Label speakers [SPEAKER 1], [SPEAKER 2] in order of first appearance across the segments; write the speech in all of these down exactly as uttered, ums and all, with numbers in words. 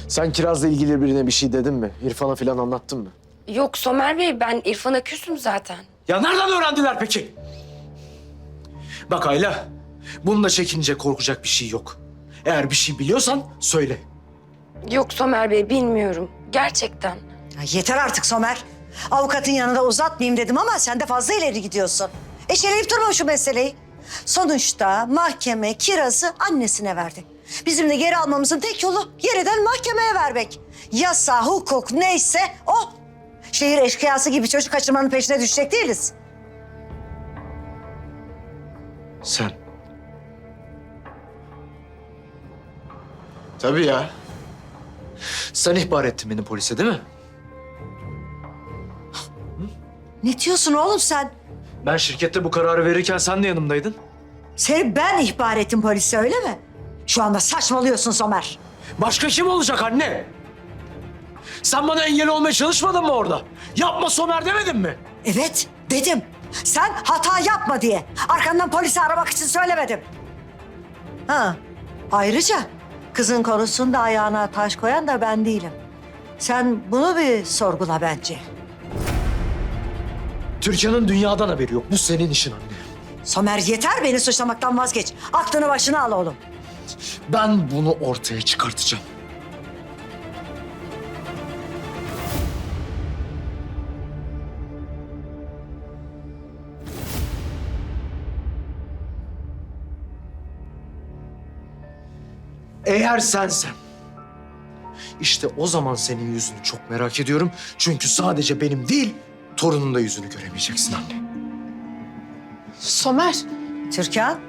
[SPEAKER 1] Sen Kiraz'la ilgili birine bir şey dedin mi? İrfan'a falan anlattın mı?
[SPEAKER 2] Yok Somer Bey, ben İrfan'a küsüm zaten.
[SPEAKER 1] Ya nereden öğrendiler peki? Bak Ayla, bunda çekince korkacak bir şey yok. Eğer bir şey biliyorsan söyle.
[SPEAKER 2] Yok Somer Bey, bilmiyorum. Gerçekten.
[SPEAKER 3] Ya yeter artık Somer. Avukatın yanında uzatmayayım dedim ama sen de fazla ileri gidiyorsun. Eşeleyip durma şu meseleyi. Sonuçta mahkeme Kiraz'ı annesine verdi. Bizim de geri almamızın tek yolu yeniden mahkemeye vermek. Yasa, hukuk neyse o. Şehir eşkıyası gibi çocuk kaçırmanın peşine düşecek değiliz.
[SPEAKER 1] Sen. Tabii ya. Sen ihbar ettin beni polise değil mi?
[SPEAKER 3] Ne diyorsun oğlum sen?
[SPEAKER 1] Ben şirkette bu kararı verirken sen de yanımdaydın.
[SPEAKER 3] Seni ben ihbar ettim polise öyle mi? Şu anda saçmalıyorsun Somer.
[SPEAKER 1] Başka kim olacak anne? Sen bana engel olmaya çalışmadın mı orada? Yapma Somer demedin mi?
[SPEAKER 3] Evet dedim. Sen hata yapma diye. Arkandan polisi aramak için söylemedim. Ha, ayrıca kızın konusunda ayağına taş koyan da ben değilim. Sen bunu bir sorgula bence.
[SPEAKER 1] Türkan'ın dünyadan haberi yok. Bu senin işin anne.
[SPEAKER 3] Somer yeter beni suçlamaktan vazgeç. Aklını başına al oğlum.
[SPEAKER 1] Ben bunu ortaya çıkartacağım. Eğer sensen, işte o zaman senin yüzünü çok merak ediyorum. Çünkü sadece benim değil, torunun da yüzünü göremeyeceksin anne.
[SPEAKER 4] Somer.
[SPEAKER 3] Türkan.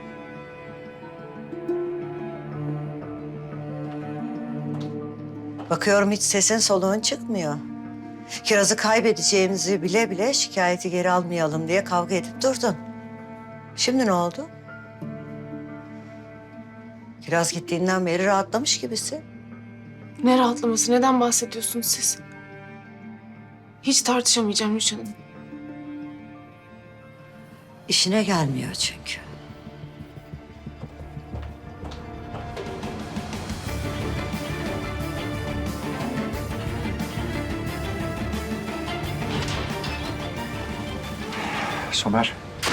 [SPEAKER 3] Bakıyorum hiç sesin soluğun çıkmıyor. Kiraz'ı kaybedeceğimizi bile bile şikayeti geri almayalım diye kavga edip durdun. Şimdi ne oldu? Kiraz gittiğinden beri rahatlamış gibisin.
[SPEAKER 4] Ne rahatlaması? Neden bahsediyorsunuz siz? Hiç tartışamayacağım Rüçhan Hanım.
[SPEAKER 3] İşine gelmiyor çünkü.
[SPEAKER 5] Somer.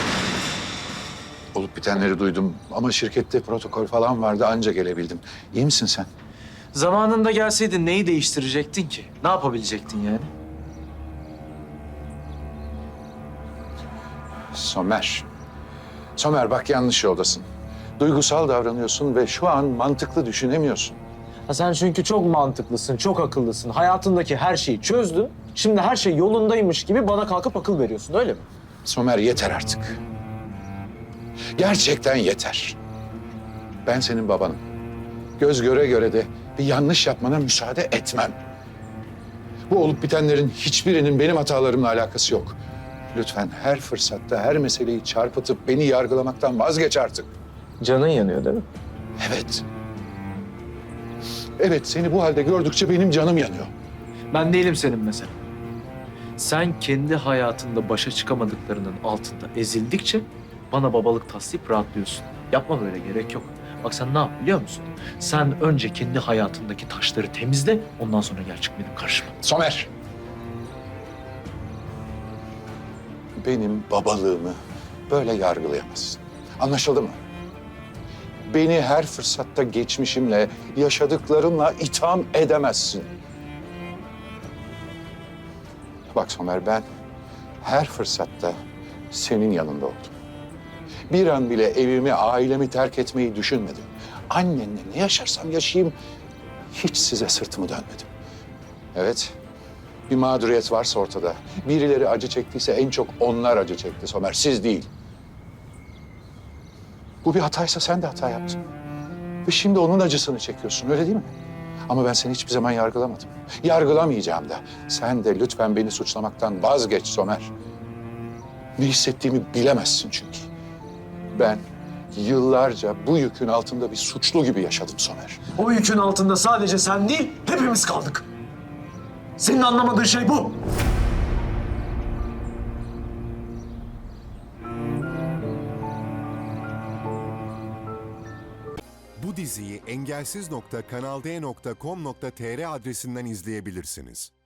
[SPEAKER 5] Olup bitenleri duydum ama şirkette protokol falan vardı anca gelebildim. İyi misin sen?
[SPEAKER 1] Zamanında gelseydin neyi değiştirecektin ki? Ne yapabilecektin yani?
[SPEAKER 5] Somer. Somer bak yanlış yoldasın. Duygusal davranıyorsun ve şu an mantıklı düşünemiyorsun.
[SPEAKER 1] Ha sen çünkü çok mantıklısın, çok akıllısın. Hayatındaki her şeyi çözdün. Şimdi her şey yolundaymış gibi bana kalkıp akıl veriyorsun, öyle mi?
[SPEAKER 5] Somer yeter artık. Gerçekten yeter. Ben senin babanım. Göz göre göre de bir yanlış yapmana müsaade etmem. Bu olup bitenlerin hiçbirinin benim hatalarımla alakası yok. Lütfen her fırsatta her meseleyi çarpıtıp beni yargılamaktan vazgeç artık.
[SPEAKER 1] Canın yanıyor değil mi?
[SPEAKER 5] Evet. Evet, seni bu halde gördükçe benim canım yanıyor.
[SPEAKER 1] Ben değilim senin mesela. Sen kendi hayatında başa çıkamadıklarının altında ezildikçe bana babalık taslayıp rahatlıyorsun. Yapma böyle, gerek yok. Bak sen ne yap biliyor musun? Sen önce kendi hayatındaki taşları temizle, ondan sonra gel çık benim karşıma.
[SPEAKER 5] Somer. Benim babalığımı böyle yargılayamazsın. Anlaşıldı mı? Beni her fırsatta geçmişimle, yaşadıklarımla itham edemezsin. Bak Somer, ben her fırsatta senin yanında oldum. Bir an bile evimi, ailemi terk etmeyi düşünmedim. Annenle ne yaşarsam yaşayayım, hiç size sırtımı dönmedim. Evet, bir mağduriyet varsa ortada, birileri acı çektiyse en çok onlar acı çekti Somer, siz değil. Bu bir hataysa sen de hata yaptın. Ve şimdi onun acısını çekiyorsun, öyle değil mi? Ama ben seni hiçbir zaman yargılamadım. Yargılamayacağım da. Sen de lütfen beni suçlamaktan vazgeç Somer. Ne hissettiğimi bilemezsin çünkü. Ben yıllarca bu yükün altında bir suçlu gibi yaşadım Somer.
[SPEAKER 1] O yükün altında sadece sen değil, hepimiz kaldık. Senin anlamadığın şey bu.
[SPEAKER 6] Bu Bu diziyi engelsiz nokta kanalde nokta com nokta tr adresinden izleyebilirsiniz.